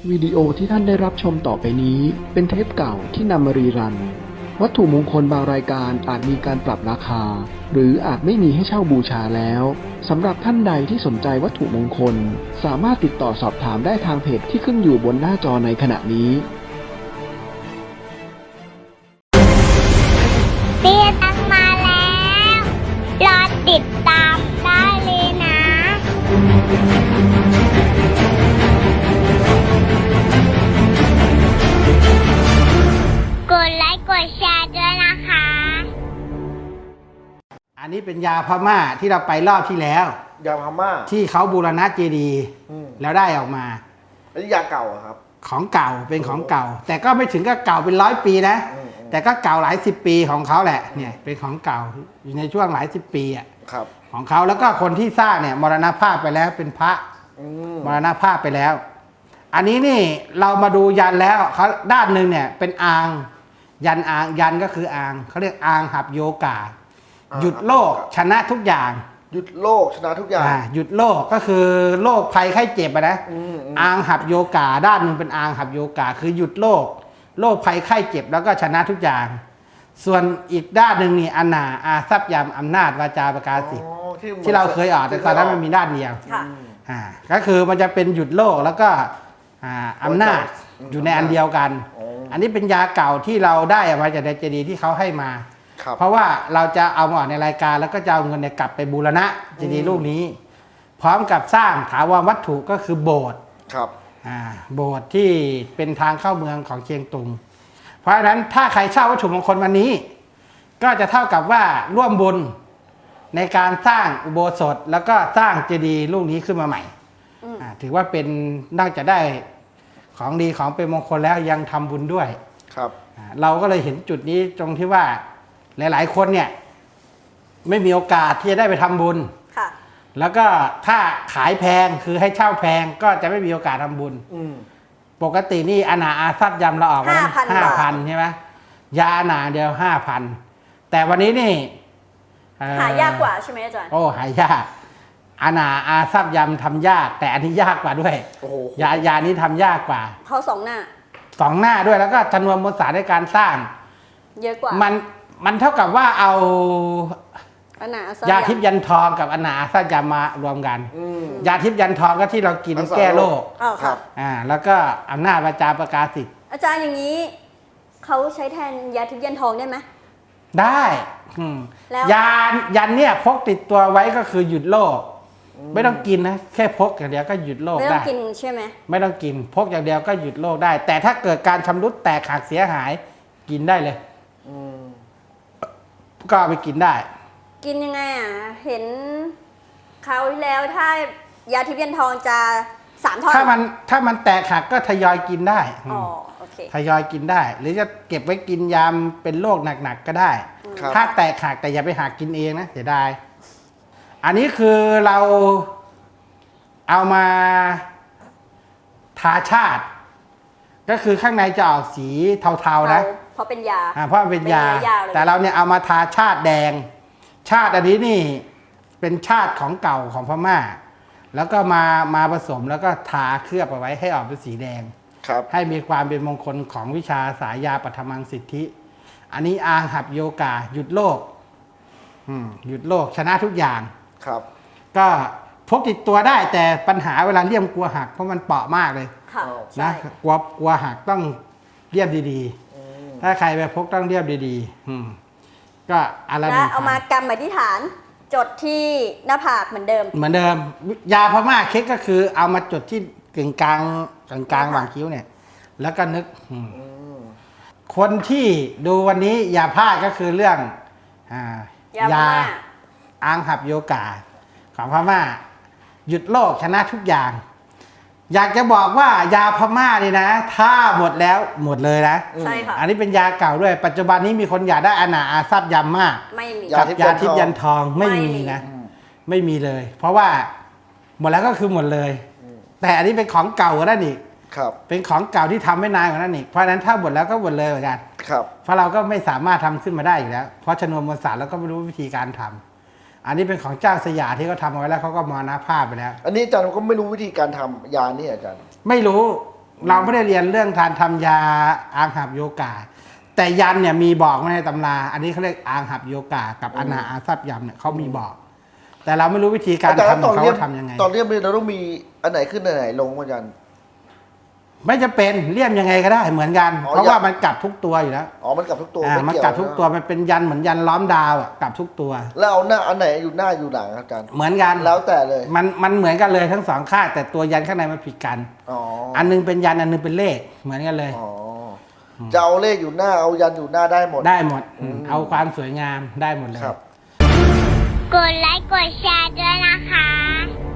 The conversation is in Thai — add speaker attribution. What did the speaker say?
Speaker 1: วิดีโอที่ท่านได้รับชมต่อไปนี้เป็นเทปเก่าที่นำมารีรันวัตถุมงคลบางรายการอาจมีการปรับราคาหรืออาจไม่มีให้เช่าบูชาแล้วสำหรับท่านใดที่สนใจวัตถุมงคลสามารถติดต่อสอบถามได้ทางเพจที่ขึ้นอยู่บนหน้าจอในขณะนี้
Speaker 2: เตี้ยตังมาแล้ว รอติดตามได้เลยนะ กดไลค์กดแชร์ด้วยนะคะ
Speaker 3: อันนี้เป็นยาพม่าที่เราไปรอบที่แล้ว
Speaker 4: ยาพม่า
Speaker 3: ที่เขาบูรณะเจดีย์แล้วได้ออกมา
Speaker 4: อันนี้ยาเก่าอะครับ
Speaker 3: ของเก่าเป็นของเก่า แต่ก็ไม่ถึงกับเก่าเป็น100 ปีนะแต่ก็เก่าหลาย10 ปีของเขาแหละเนี่ยเป็นของเก่าอยู่ในช่วงหลาย10 ปีอ่ะ
Speaker 4: ครับ
Speaker 3: ของเขาแล้วก็คนที่สร้างเนี่ยมรณภาพไปแล้วเป็นพระมรณภาพไปแล้ว อันนี้นี่เรามาดูยันแล้วเขาด้านหนึ่งเนี่ยเป็นอางยันอางยันก็คืออางเขาเรียกอางหับโยกาหยุดโลกชนะทุกอย่าง
Speaker 4: หยุดโลกชนะทุกอย่าง
Speaker 3: หยุดโลกก็คือโรคภัยไข้เจ็บอะนะอางหับโยกาด้านหนึ่งเป็นอางหับโยกาคือหยุดโรคภัยไข้เจ็บแล้วก็ชนะทุกอย่าง ส่วนอีกด้านหนึ่งนี่อนาอาทรัพยามอำนาจวาจาประกาศสิทธิ์ที่เราเคยออกแต่ตอนนั้นมันมีด้านเดียวก็คือมันจะเป็นหยุดโลกแล้วก็อำนาจอยู่ในอันเดียวกัน อันนี้เป็นยาเก่าที่เราได้มาจากในเจดีย์ที่เขาให้มาเพราะว่าเราจะเอามาออกในรายการแล้วก็จะเอาเงินกลับไปบูรณะเจดีย์ลูกนี้ พร้อมกับสร้างถาวรวัตถุก็คือโบสถ์
Speaker 4: ครับ
Speaker 3: โบสถ์ที่เป็นทางเข้าเมืองของเชียงตุงเพราะฉะนั้นถ้าใครเช่าวัตถุมงคลวันนี้ ก็จะเท่ากับว่าร่วมบุญในการสร้างอุโบสถแล้วก็สร้างเจดีย์ลูกนี้ขึ้นมาใหม่ถือว่าเป็นนอกจากได้ของดีของเป็นมงคลแล้วยังทำบุญด้วย
Speaker 4: ครับ
Speaker 3: เราก็เลยเห็นจุดนี้ตรงที่ว่าหลายๆคนเนี่ยไม่มีโอกาสที่จะได้ไปทำบุญแล้วก็ถ้าขายแพงคือให้เช่าแพงก็จะไม่มีโอกาสทำบุญปกตินี่อนาอาทรัพย์ยำเราออกมา5,000ใช่ไหมยาอนาเดียว5,000แต่วันนี้นี่
Speaker 5: หายากกว่าใช่ไหมอาจารย์
Speaker 3: โอ้หายากอนาอาทรัพย์ยำทำยากแต่อันนี้ยากกว่าด้วยยานี้ทำยากกว่า
Speaker 5: เขา2 หน้า
Speaker 3: ด้วยแล้วก็จำนวนมวลสารในการสร้าง
Speaker 5: เยอะกว่า
Speaker 3: มันเท่ากับว่าเอายาทิพย์ยันทองกับอนาอาทรัพย์ยำมารวมกันยาทิพย์ยันทองก็ที่เรากินแก้โรคแล้วก็อำนาจวาจาประกาศสิทธิ์
Speaker 5: อาจารย์อย่างนี้เขาใช้แทนยาทิพย์ยันทองได้ไหม
Speaker 3: ได้ยันเนี่ยพกติดตัวไว้ก็คือหยุดโรคไม่ต้องกินนะแค่พกอย่างเดียวก็หยุดโรคได้
Speaker 5: ไม่ต้องกินใช่ไหม
Speaker 3: ไม่ต้องกินพกอย่างเดียวก็หยุดโรคได้แต่ถ้าเกิดการชำรุดแตกหักเสียหายกินได้เลยก็เอาไปกินได้
Speaker 5: กินยังไงเห็นคราวที่แล้วถ้ายาทิพย์ยันทองจะ3 ท่อน
Speaker 3: ถ้ามันแตกหักก็ทยอยกินได้
Speaker 5: โอเค
Speaker 3: ทยอยกินได้หรือจะเก็บไว้กินยามเป็นโรคหนักๆก็ได้ถ้าแตกหักแต่อย่าไปหักกินเองนะเสียดายอันนี้คือเราเอามาทาชาติก็คือข้างในจะออกสีเทาๆนะ
Speaker 5: เพราะเป็นยา
Speaker 3: เพราะมันเป็นยาแต่เราเนี่ยเอามาทาชาติแดงชาติอันนี้นี่เป็นชาติของเก่าของพม่าแล้วก็มาผสมแล้วก็ทาเคลือบเอาไว้ให้ออกเป็นสีแดงให้มีความเป็นมงคลของวิชาสายยาปัทมังสิทธิอันนี้อางหับโยกาหยุดโลกหยุดโลกชนะทุกอย่างก็พกติดตัวได้แต่ปัญหาเวลาเลี่ยมกลัวหักเพราะมันเปราะมากเลยนะกลัวหักต้องเรียบดีๆถ้าใครไปพกต้องเรียบดีๆก็อะไร
Speaker 5: เอามากำอธิษฐานจดที่หน้าผากเหมือนเดิม
Speaker 3: ยาพม่าเค้กก็คือเอามาจดที่กึ่งกลางหว่างคิ้วเนี่ยแล้วก็นึกคนที่ดูวันนี้อย่าพลาดก็คือเรื่องยาอางหับโยกาของพม่าหยุดโรคชนะทุกอย่างอยากจะบอกว่ายาพม่านี่นะถ้าหมดแล้วหมดเลยนะ
Speaker 5: ใช่ค่ะ
Speaker 3: อันนี้เป็นยาเก่าด้วยปัจจุบันนี้มีคนอยากได้อนาอาทรัพย์ยำมาก
Speaker 5: ไม่มี
Speaker 3: กับยาทิพย์ยันทองไม่มีนะไม่มีเลย เพราะว่าหมดแล้วก็คือหมดเลยแต่อันนี้เป็นของเก่ากว่านั้นอีกเป็นของเก่าที่ทำไม่นานกว่านั้นอีกเพราะฉะนั้นถ้าหมดแล้วก็หมดเลยเหมือนกันเพราะเราก็ไม่สามารถทำขึ้นมาได้อยู่แล้วเพราะชนวนมวลสารเราก็ไม่รู้วิธีการทำอันนี้เป็นของเจ้าสยามที่เขาทำเอาไว้แล้วเขาก็มรณภาพไปแล้ว
Speaker 4: อันนี้อาจารย์ก็ไม่รู้วิธีการทำยานี่อาจารย์
Speaker 3: ไม่รู้เราไม่ได้เรียนเรื่องการทำยาอังหับโยกา แต่ยันเนี่ยมีบอกไว้ในตำราอันนี้เขาเรียกอังหับโยกากับอนาอาซับยำเนี่ยเขามีบอก แต่เราไม่รู้วิธีการ
Speaker 4: อาจารย์
Speaker 3: ทำของ
Speaker 4: ตอนเรีย
Speaker 3: เขา
Speaker 4: น
Speaker 3: ทำยังไง
Speaker 4: ตอนเรียนเราต้องมีอันไหนขึ้นอันไหนลงอาจารย์
Speaker 3: ไม่จะเป็นเลี่ยมยังไงก็ได้เหมือนกัน
Speaker 4: อ๋อ
Speaker 3: เพราะว่ามันกลับทุกตัวอยู่แล้ว
Speaker 4: อ๋อมันกลับทุกตัว
Speaker 3: มัน
Speaker 4: ไเยว
Speaker 3: กลับทุกตัว
Speaker 4: นะ
Speaker 3: มันเป็นยันเหมือนยันล้อมดาวอ่ะกลับทุกตัว
Speaker 4: แล้วเอาหน้าอันไหนอยู่หน้าอยู่หลังอาจารย์
Speaker 3: เหมือนกัน
Speaker 4: แล้วแต่เลย
Speaker 3: มันเหมือนกันเลยทั้งสองข้างแต่ตัวยันข้างในมันผิดกัน
Speaker 4: อ๋อ
Speaker 3: อันนึงเป็นยันอันนึงเป็นเลขเหมือนกันเลย
Speaker 4: อ๋อจะเอาเลขอยู่หน้าเอายันอยู่หน้าได้หมด
Speaker 3: ได้หมดเอาความสวยงามได้หมดเลย
Speaker 4: ครับ
Speaker 2: กดไลค์กดแชร์ด้วยนะคะ